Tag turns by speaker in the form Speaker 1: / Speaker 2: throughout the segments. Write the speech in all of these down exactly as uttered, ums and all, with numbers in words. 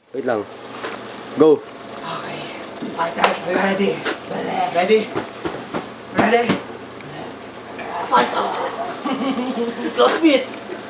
Speaker 1: Wait lang. Go.
Speaker 2: Okay. Fighters, we ready. Ready? Ready? Fight! Close beat!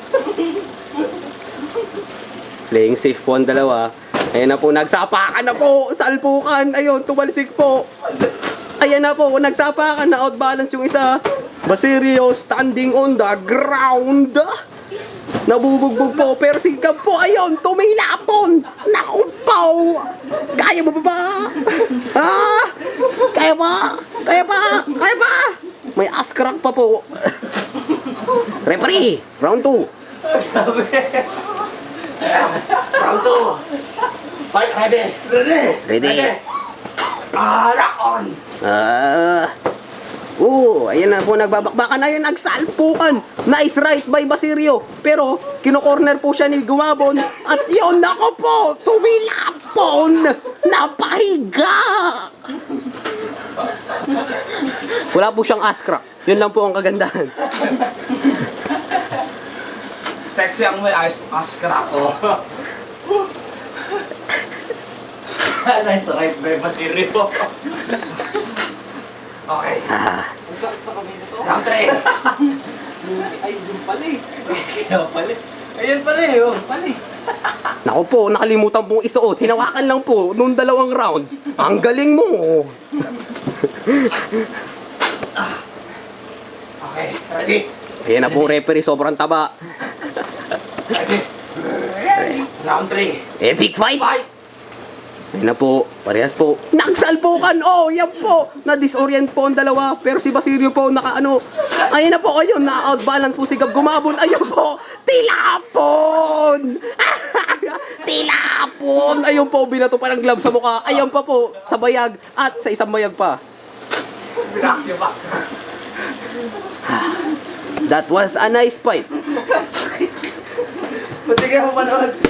Speaker 1: Playing safe po ang dalawa. Ayan na po, nagsapakan na po. Salpukan. Ayun, tumalsik po. Ayan na po, nagsapakan na outbalance yung isa. Basirio standing on the ground. Nabubugbog po, pero si Gab po, ayun, tumilapon. Naku po. Kaya mo ba ba? Ha? Kaya ba? Kaya ba? Kaya ba? May ass crack pa po. Referee, round two.
Speaker 2: Round two. Fight, ready? Ready?
Speaker 1: Ready.
Speaker 2: Ah, rock on!
Speaker 1: Ah. Oo, ayan na po, nagbabakbakan. Ayan, nagsalpukan. Nice right by Basirio. Pero, kino-corner po siya ni Gumabon. At yun, nako po, tumilapon. Napahiga. Wala po siyang ass crack. Yun lang po ang kagandahan.
Speaker 2: Sexy ang may ice ice crack ko. Nice right by Basirio. Okay.
Speaker 1: Ah.
Speaker 2: Round three. Ay, yun pala eh. Kaya pala. Ayun pala eh. Oh, pala eh.
Speaker 1: Naku po, nakalimutan pong isuot. Hinawakan lang po nung dalawang rounds. Ang galing mo.
Speaker 2: Okay, ready?
Speaker 1: Ayan na po, referee, sobrang taba.
Speaker 2: Ready? Round three.
Speaker 1: Epic fight.
Speaker 2: Fight!
Speaker 1: Ayun na po, parehas po. Nagsalpukan! Oh, yan po! Na-disorient po ang dalawa. Pero si Basirio po, naka ano. Ayun na po, ayun, na-outbalance po si Gab Gumabon. Ayun po, tilapon! Tilapon! Ayun po, binato pa ng glove sa mukha. Ayun pa po, sa bayag at sa isang bayag pa.
Speaker 2: Binakyo ba?
Speaker 1: That was a nice fight.
Speaker 2: Matigyan mo pa noon.